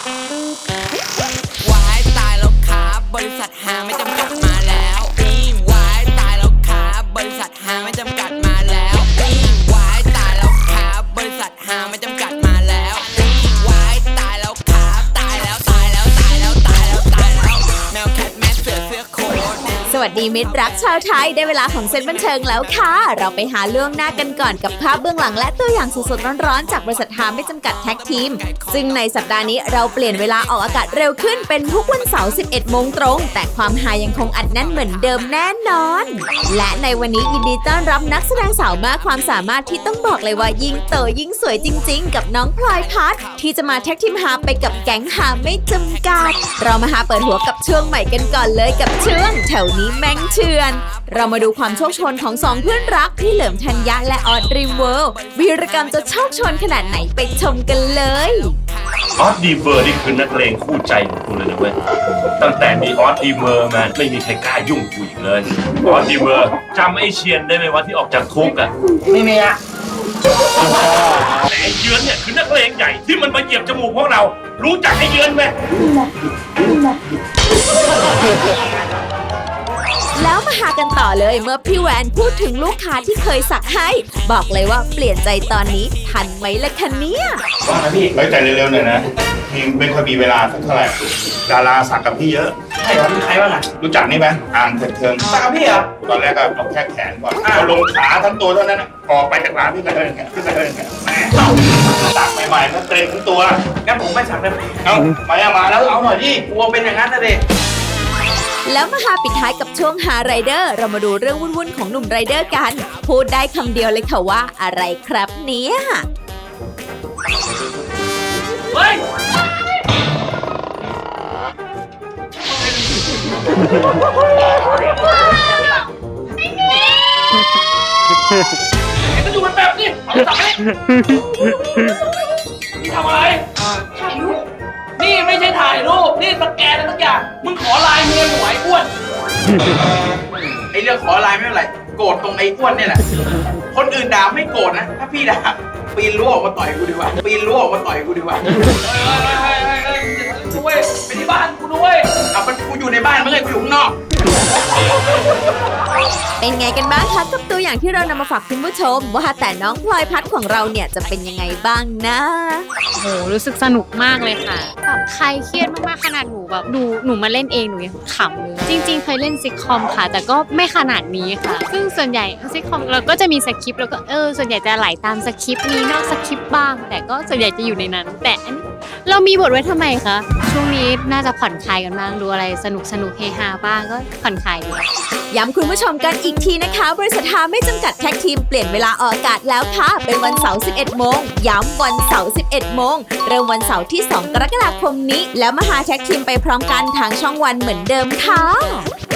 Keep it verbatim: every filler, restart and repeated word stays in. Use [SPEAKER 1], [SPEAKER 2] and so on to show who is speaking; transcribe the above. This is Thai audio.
[SPEAKER 1] วายตายแล้วครับบริษัทหาไม่จำกัดมาแล้วอีวายตายแล้วครับบริษัทหาไม่จำกัดมาแล้วอีวายตายแล้วครับบริษัทหาไม่จำกัดมาแล้วอีวายตายแล้วครับตายแล้วตายแล้วตายแล้วตายแล้วตายแล้วแมวแคทแมสเสือเสื้อโค้ท
[SPEAKER 2] สวัสดีมิตรรักชาวไทยได้เวลาของเซนบันเทิงแล้วค่ะเราไปหาล่วงหน้ากันก่อนกับภาพเบื้องหลังและตัวอย่างสดๆร้อนๆจากบริษัทหาไม่จำกัดแท็กทีมซึ่งในสัปดาห์นี้เราเปลี่ยนเวลาออกอากาศเร็วขึ้นเป็นทุกวันเสาร์ สิบเอ็ดโมงตรงแต่ความฮายังคงอัดแน่นเหมือนเดิมแน่นอนและในวันนี้ยินดีต้อนรับนักแสดงสาวมากความสามารถที่ต้องบอกเลยว่ายิ่งโตยิ่งสวยจริงๆกับน้องพลอยพัฒน์ที่จะมาแท็กทีมหาไปกับแก๊งหาไม่จำกัดเรามาหาเปิดหัวกับช่วงใหม่กันก่อนเลยกับช่วงแถวนี้แม่งเชื่อเรามาดูความโชคชนของสองเพื่อนรักพี่เหลิมธัญญะและออสดรีมเวิลด์วีรกรรมจะโชคชนขนาดไหนไปชมกันเลย
[SPEAKER 3] ออสดีเวอร์นี่คือนักเลงคู่ใจของกูเลยนะเว้ยตั้งแต่มีออสดีเวอร์มาไม่มีใครกล้ายุ่งกูอีกเลยออสดีเวอร์จำไอ้เชียนได้ไหมว่าที่ออกจากคุกอะ
[SPEAKER 4] ไม่มีอะ
[SPEAKER 3] แต่ไอ้เยือนเนี่ยคือนักเลงใหญ่ที่มันมาเหยียบจมูกพวกเรารู้จักไอ้เยือนไหม
[SPEAKER 2] แล้วมาหากันต่อเลยเมื่อพี่แวนพูดถึงลูกค้าที่เคยสักให้บอกเลยว่าเปลี่ยนใจตอนนี้ทันไหมล่ะคะเนี่ย
[SPEAKER 4] ว่านะพี่
[SPEAKER 5] ไว้ใจเร็วๆหน่อยนะพี่ไม่ค่อยมีเวลาสักเท่าไหร่ดาราสักกับพี่เยอะ
[SPEAKER 4] ใช่เหรอมีใครบ้างอะ
[SPEAKER 5] รู้จักนี่ไหมอ่างเถิดเทิง
[SPEAKER 4] สักกับพี่เหรอ
[SPEAKER 5] ตอนแรกก็เอาแค่แขนก่อนเอาลงขาทั้งตัวเท่านั้นนะออกไปจากร้านพี่ก็เลยพี่ก็เลยแม่สักใหม่ๆก็เกรงทั้งตัว
[SPEAKER 4] งั้นผมไม่สักเลย
[SPEAKER 5] เอามาเอามาแล้วเอาหน่อยดิ
[SPEAKER 4] กลัวเป็นอย่างนั้นนะเด็ก
[SPEAKER 2] แล้วมาหาปิดท้ายกับช่วงหาไรเดอร์เรามาดูเรื่องวุ่นๆของหนุ่มไรเดอร์กันพูดได้คำเดียวเลยค่ะว่าอะไรครับเนี่ย
[SPEAKER 4] เฮ้ยไอ้ก็อยู่แบบนี้เอาสักเลยนี่ทำอะไรถ่ายรูปนี่ไม่ใช่ถ่ายรูปนี่สแกนอะไรสักอย่างมึงขอไลน์เมียหน่วยอ้วนไอ้เรื่องขอไลน์ไม่เป็นไรโกรธตรงไอ้อ้วนเนี่ยแหละคนอื่นด่าไม่โกรธนะถ้าพี่ด่าปีนรั้วออกมาต่อยกูดีกว่าปีนรั้วออกมาต่อยกูดีกว่าเฮ้ยเฮ้ยเฮ้ยเฮ้ยด้วยไปที่บ้านกูด้วยเอามันกูอยู่ในบ้านไม่เคยกูอยู่ข้างนอก
[SPEAKER 2] เป็นไงกันบ้างคะกับตัวอย่างที่เรานำมาฝากคุณผู้ชมว่าแต่น้องพลอยพัฒน์ของเราเนี่ยจะเป็นยังไงบ้างนะ
[SPEAKER 6] โหรู้สึกสนุกมากเลยค่ะแบบใครเครียดมากๆขนาดหนูแบบดูหนูมาเล่นเองหนูยังขำเลยจริงๆเคยเล่นซิทคอมค่ะแต่ก็ไม่ขนาดนี้ค่ะซึ่งส่วนใหญ่ซิทคอมเราก็จะมีสคริปต์แล้วก็เออส่วนใหญ่จะไหลตามสคริปต์มีนอกสคริปต์บ้างแต่ก็ส่วนใหญ่จะอยู่ในนั้นแต่อันนี้เรามีบทไว้ทำไมคะช่วงนี้น่าจะผ่อนคลายกันบ้างดูอะไรสนุกสนุกเฮฮาบ้างก็ผ่อนคลายดี
[SPEAKER 2] ย้ำคุณผู้ชมกันอีกทีนะคะบริษัทหาไม่จำกัดแท็กทีมเปลี่ยนเวลาออกอากาศแล้วค่ะเป็นวันเสาร์ สิบเอ็ดโมงย้ำวันเสาร์ สิบเอ็ดโมงเริ่มวันเสาร์ที่สองกรกฎาคมนี้แล้วมาหาแท็กทีมไปพร้อมกันทางช่องวันเหมือนเดิมค่ะ